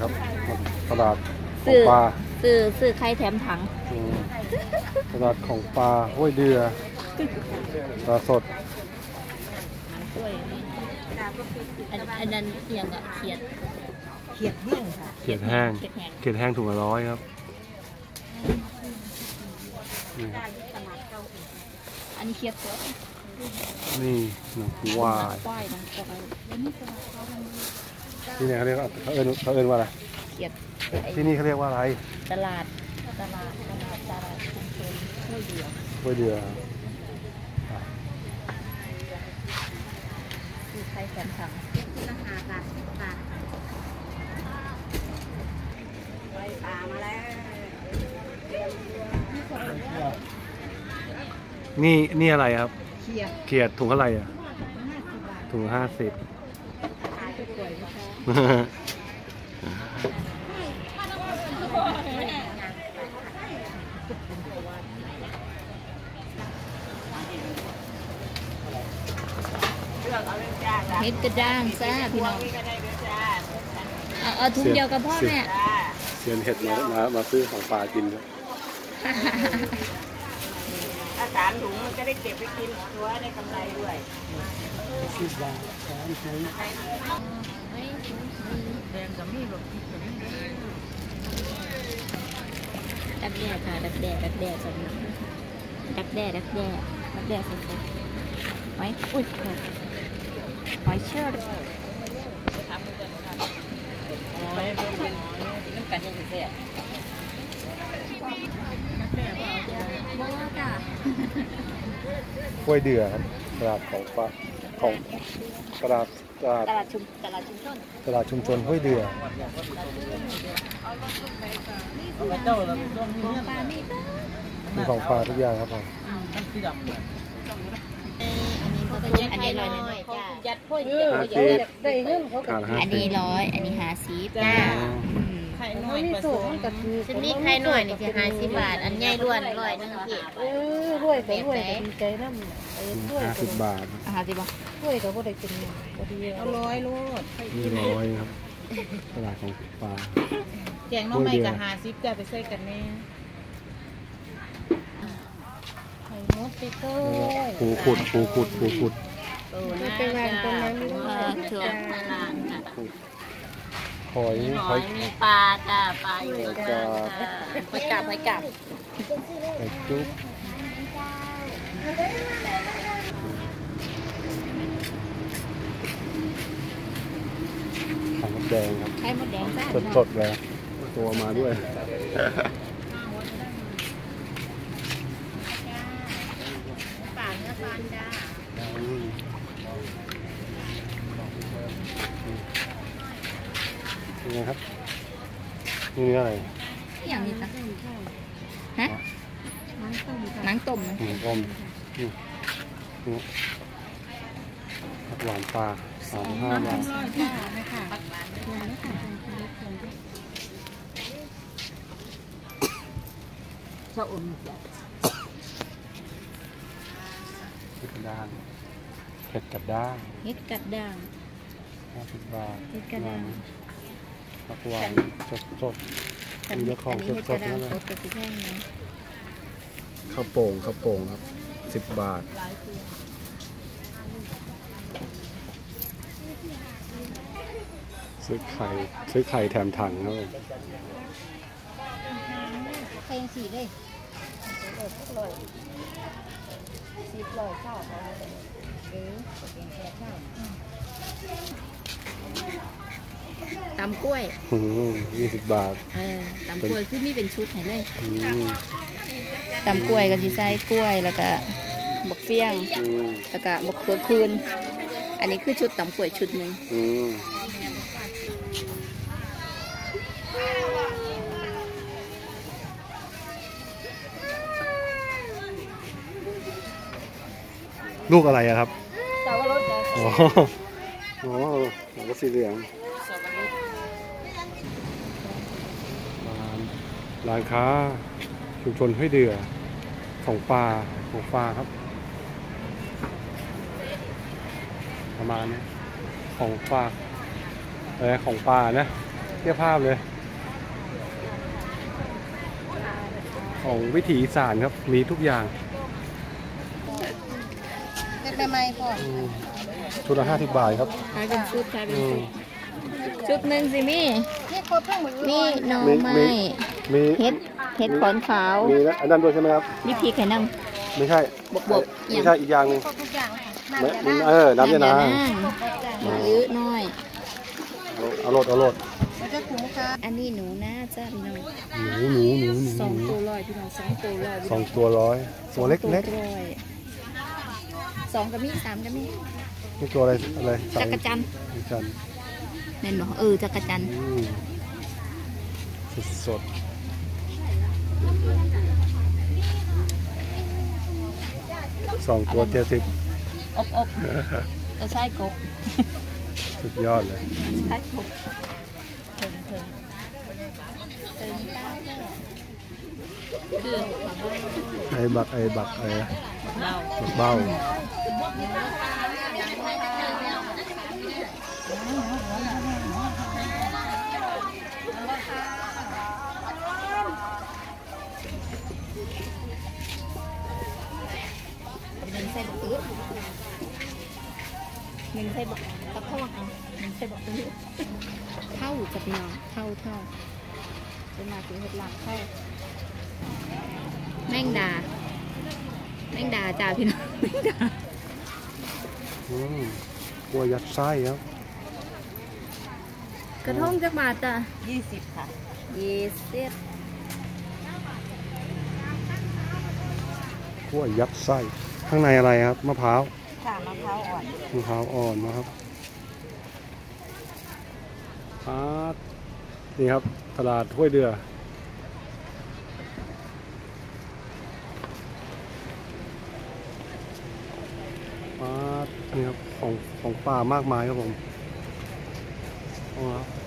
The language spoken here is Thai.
ครับตลาดของปลาซื้อไข่แถมถังตลาดของปลาห้วยเดือปลาสดอันนั้นอย่างกับเขียดแห้งค่ะเขียดแห้งถุงละ100ครับอันนี้เขียดสดนี่หนังควายที่นี่เขาเรียกเขาเอิ้นว่าอะไรเขียดที่นี่เขาเรียกว่าอะไรตลาดชุมชนห้วยเดือคือไข่แถมถังราคาบาทไปปลามาแล้วนี่อะไรครับเขียดถุงเท่าไหร่อ่ะถุง50 เฮ็ดกระด้างซ่าพี่น้องเอาถุงเดียวกับพ่อแม่เซียนเห็ดมาซื้อของปลากินครับถ้า3 ถุงมันจะได้เก็บไปกินตัวได้กำไรด้วย 10 บาท3 ถุงแดงกับมีดดักแด้ค่ะดักแด้สดดักแด้สดไว้อุ้ยหอยเชอร์น้ำกันยังเสียห้วยเดือครับตลาดของปลาของตลาดชุมชนห้วยเดือมีของปลาทุกอย่างครับผมอันนี้100ยัดพ่อยได้เงินเขาอันนี้100อันนี้50จ้าไข่น้อยผสมกับชุดนี้ไข่น้อยนี่คือ50 บาทอันใหญ่ล้วน100นึงพี่รวยก็รวยดีใจน้ำ 50 บาท 50 บาทรวยก็บ่ได้เป็นพอดีเอา100โลดนี่100ครับตลาดของปลาแกงน้องใหม่กับ50จะไปใส่กันแน่ปูขุดเป็นงานตรงนั้นช่วงหอยมีปลาจ้าปลาอยู่จ้าหอยกาบหอยจุ๊บไข่มดแดงครับไข่มดแดงจ้าสดเลยตัวมาด้วยจ้านี่ครับนี่อะไรอย่างนี้จ้ะฮะหนังต้มหวานปลา35 บาทชะอมเห็ดกระด้าง50 บาทผักหวานสดมีเนื้อของสดนั่นแหละข้าวโป่งครับ10 บาทซื้อไข่แถมถังครับไข่สีเลยข้าวตำกล้วย 20 บาทตำกล้วยคือนี่เป็นชุดไหนเลยตำกล้วยกับที่ใส่กล้วยแล้วก็บักเฟี้ยงแล้วก็บักเขือคืนอันนี้คือชุดตำกล้วยชุดหนึ่งลูกอะไรอะครับสับปะรดอ๋อสีเหลืองร้านค้าชุมชนห้วยเดือของปลาครับประมาณนี้ของปลานะเทียบภาพเลย ของวิถีอีสานครับมีทุกอย่างเป็นไมพ่อชุดละ50 บาทครับขายเป็นชุดขายเป็นชุดชุดหนึ่งสิมี่นี่หน่อไม้มีเห็ดขอนขาวมีนะอันนั้นด้วยใช่ไหมครับนี่พริกไข่น้ไม่ใช่บวบไม่ใช่อีกอย่างหนึงำน้ำยานางเยอะน้อยเอาโหลดอันนี้หนูนะจ้าพี่น้องหนูสองตัวร้อยพี่น้อง2 ตัวร้อย 2 ตัวร้อยตัวเล็กร้อย2กระมี่3กระมี่นี่ตัวอะไรจักรจันทร์จันแม่นบอกจักรจันทร์สด2 ตัว70 อบจะใช่กบสุดยอดเลยใช่กบเถิงตาคือไอ้บักเบ้า 1ใส่บักอื้อ1ใส่บักตะโพกเอา1ใส่บักอื้อเท่าจะพี่น้องเท่าเป็นมาถึงเห็ดหลังเท่าแมงดาจ้าพี่น้องแมงดากลัวยัดไส้ครับกระทงจักบาทจ้ะ 20 ค่ะ 20 กลัวยัดไส้ข้างในอะไรครับมะพร้าวค่ะมะพร้าวอ่อนนะครับนี่ครับตลาดห้วยเดือนี่ครับของป่ามากมายครับผม